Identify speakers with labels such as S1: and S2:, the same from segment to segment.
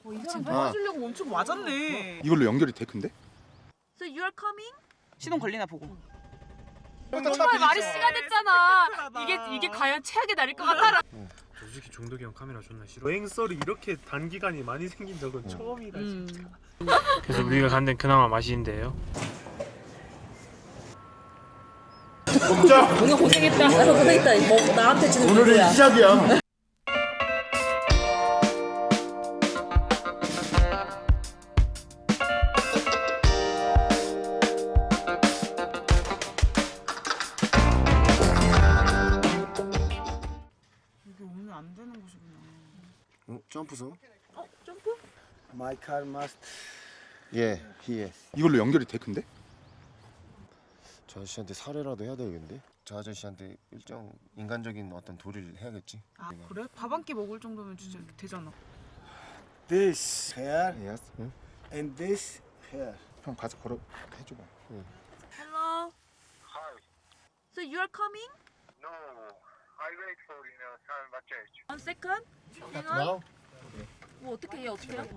S1: 이 사람 도와주려고 엄청 맞았네.
S2: 이걸로 연결이 돼 근데?
S3: So you are coming?
S1: 시동 걸리나 보고.
S3: 정말 말이 씨가 됐잖아. 이게 과연 최악의 날일 것 같아.
S4: 솔직히 종덕이 형 카메라 존나 싫어. 여행 썰이 이렇게 단기간에 많이 생긴 적은 처음이다 진짜. 그래서 우리가 간 데는 그나마 맛있는데요.
S2: 먹자.
S5: 오늘 고생했다. 고생했다. 뭐 나한테 주는
S2: 오늘은 시작이야.
S1: 이게 오면 안 되는 곳이구나.
S2: 점프소?
S3: 점프?
S6: My car must.
S2: 예, he. 이걸로 연결이 돼 근데?
S7: 저 아저씨한테 살해라도 해야 되겠는데? 저 아저씨한테 일정 인간적인 어떤 도리를 해야겠지.
S1: 아 그래? 밥 한 끼 먹을 정도면 진짜 이렇게 되잖아.
S6: This here
S2: Yes. 응?
S6: and this here.
S2: 형 가서 걸어 해줘봐.
S3: Hello.
S8: Hi.
S3: So you are coming?
S8: No, I wait for time change.
S3: One second. Hang on.
S2: Now?
S3: 뭐 어떻게 해? 어떻게 해?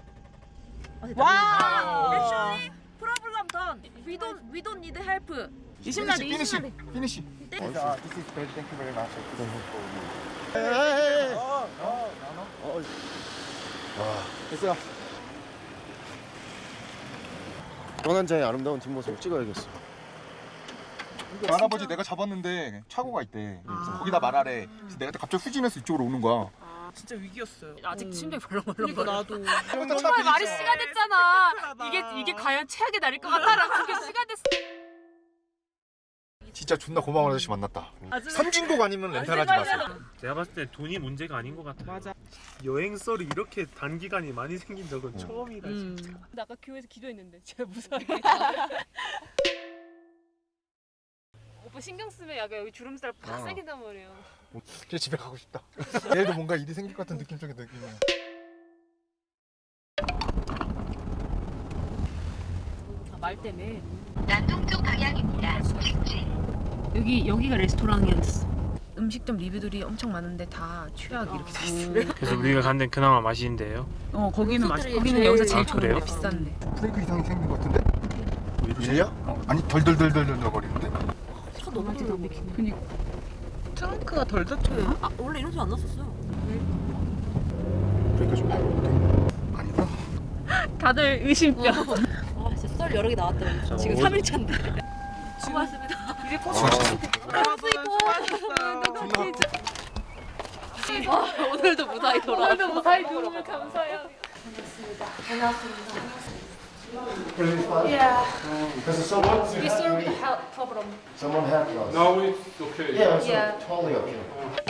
S1: 와!
S3: Actually, problem done. We don't need help. 20마리.
S2: 피니시.
S3: 네?
S2: This is bad. Thank you very much.
S7: 됐어. 떠난 자의 아름다운 뒷모습을 찍어야겠어.
S2: 할아버지 내가 잡았는데 차고가 있대. 거기다 말하래. 그래서 내가 갑자기 후진해서 이쪽으로 오는 거야.
S1: 진짜 위기였어요.
S3: 아직 심장이 벌렁벌렁.
S1: 그러니까 나도.
S3: 정말 말이 씨가 됐잖아. 이게 과연 최악의 날일 것 같아라고 그게 씨가 됐어.
S2: 진짜 존나 고마운 아저씨 만났다.
S3: 아주
S2: 삼진곡 아니면 렌탈하지 마세요.
S4: 제가 봤을 때 돈이 문제가 아닌 것 같아요.
S1: 맞아.
S4: 여행 썰이 이렇게 단기간에 많이 생긴 적은 처음이다 진짜.
S5: 나 아까 교회에서 기도했는데 제가 무서워. 오빠 신경 쓰면 약간 여기 주름살 팍 생긴단 말이에요.
S2: 이제 집에 가고 싶다. 내일도 뭔가 일이 생길 것 같은 느낌적인 느낌이야.
S5: 말 때문에.
S9: 남동쪽 방향입니다. 직진.
S3: 여기가 레스토랑이었어. 음식점 리뷰들이 엄청 많은데 다 최악 이렇게 돼 있어.
S4: 그래서 우리가 간 데는 그나마 맛있는데요.
S1: 거기는 맛있. 거기는
S3: 제일-
S1: 여기서 제일
S4: 아, 그래요?
S1: 좋은데 비싼데.
S2: 브레이크 이상이 생긴 것 같은데? 일이야? 아니 덜덜덜덜 거리는데?
S5: 차 너무 잘 막히네.
S1: 트렁크가 덜 닫혀요.
S5: 아 원래 이런 소리 안 났었어요.
S2: 브레이크 좀 밟아볼게. 아니다.
S3: 다들 의심병.
S5: 아 진짜 썰 여러 개 나왔다. 지금 3일 차인데. 수고하셨습니다.
S1: 이제 꼭
S5: 오늘도 무사히 돌아왔어.
S3: 오늘도 무사히 들어오면 감사해요.
S7: Because someone
S5: We solved the problem.
S7: helped us.
S4: No, it's okay.
S7: Yeah, it's
S5: Yeah.
S7: totally okay.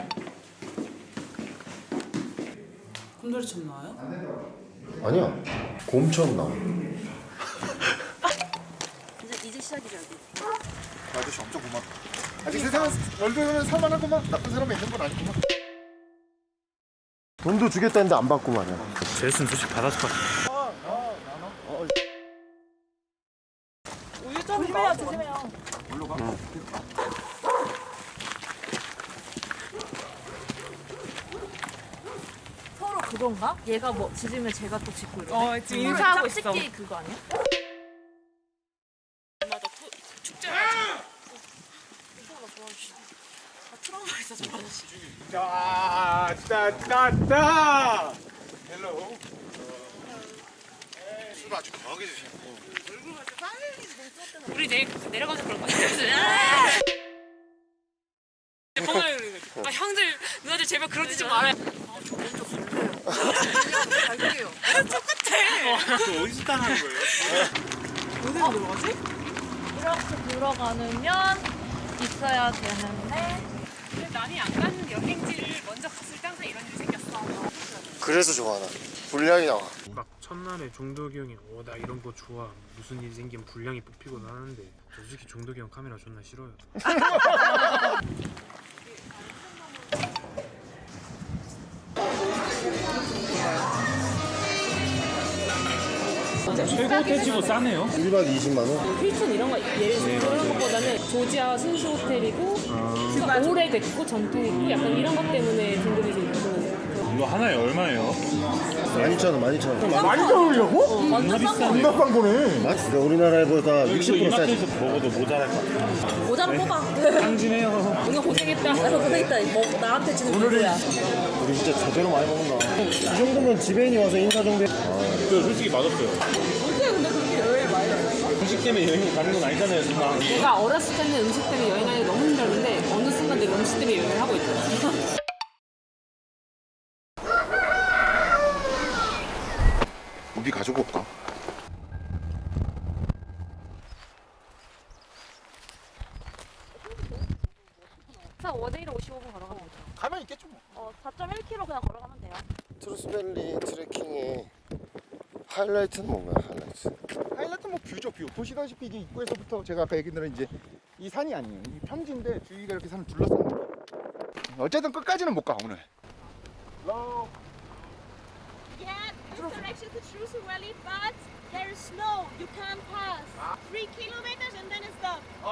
S1: 곰돌이 참 나와요?
S7: 아니야. 곰처럼 나와.
S5: 이제 시작이죠.
S2: 아저씨 엄청 고맙다. 아직 세상은 얼굴은 살만하구만. 나쁜 사람이 있는 건 아니구만.
S7: 돈도 주겠다는데 안 받고 말이야.
S4: 제스는 솔직히 받았을 것 같아.
S1: 우유 좀 조심해요, 조심해요.
S5: 서로 그건가? 얘가 뭐 짖으면 제가 또 짖고 이러고.
S1: 지금 인사하고 있어.
S5: 짝짓기 그거 아니야? 맞아. 축제.
S2: 짜짜짜짜. 헬로. 술 아주 강하게 드시네.
S5: 우리 내일 내려가서 그럴 거 같아. 아 형들 누나들 제발 그러지 좀 말아요.
S4: 또 어디서 따라하는 거예요?
S1: 어디로 들어가지?
S5: 이렇게 들어가면 있어야 되는데.
S3: 근데 남이 안 가는 여행지를 먼저 갔을 때 항상 이런 일이 생겼어.
S7: 그래서 좋아 나. 분량이 나와.
S4: 막 첫날에 종덕이 형이 나 이런 거 좋아 무슨 일 생기면 분량이 뽑히곤 하는데 솔직히 종덕이 형 카메라 존나 싫어요. 최고 돼지고 싸네요.
S7: 1박 20만 원.
S5: 힐튼 이런 거 예를 들어 그런 것보다는 조지아 순수 호텔이고 오래됐고 전통 있고 약간 이런 것 때문에 등급이 좀 있고
S4: 이거 하나에 얼마예요?
S7: 12,000원.
S2: 많이 나오려고?
S5: 완전 싼 거.
S2: 겁나 싼 거네.
S7: 그러니까 우리나라보다 60% 싸지.
S4: 먹어도 모자랄 것 같아.
S5: 모자를 뽑아.
S4: 탕진해요.
S5: 오늘 고생했다. 고생했다. 뭐 나한테 주는 누구야?
S7: 우리 진짜 제대로 많이 먹는다. 이 정도면 지배인이 와서 인사 정도.
S4: 저 솔직히 맛없어요.
S1: 언제 근데 그렇게 여행 많이 다녔어?
S4: 음식 때문에 여행 가는 건 아니잖아요, 순간.
S3: 내가 어렸을 때는 음식 때문에 여행하기 너무 힘들었는데 어느 순간 내가 음식 때문에 여행을 하고 있더라.
S2: 우리 가지고 올까?
S5: 원데이로 55분 걸어가면 되죠.
S2: 가면 있겠죠 뭐.
S5: 4.1km 그냥 걸어가면 돼요.
S7: 트루스밸리 트레킹의 하이라이트는 뭔가요? 하이라이트.
S2: 하이라이트 뭐 뷰죠 뷰. 보시다시피 이제 입구에서부터 제가 아까 얘기한 대로 이제 이 산이 아니에요. 이 평지인데 주위가 이렇게 산을 둘러싼 거예요. 어쨌든 끝까지는 못 가 오늘.
S10: Yeah, this direction to Trusu Valley, but there is snow. You can't pass. 3 kilometers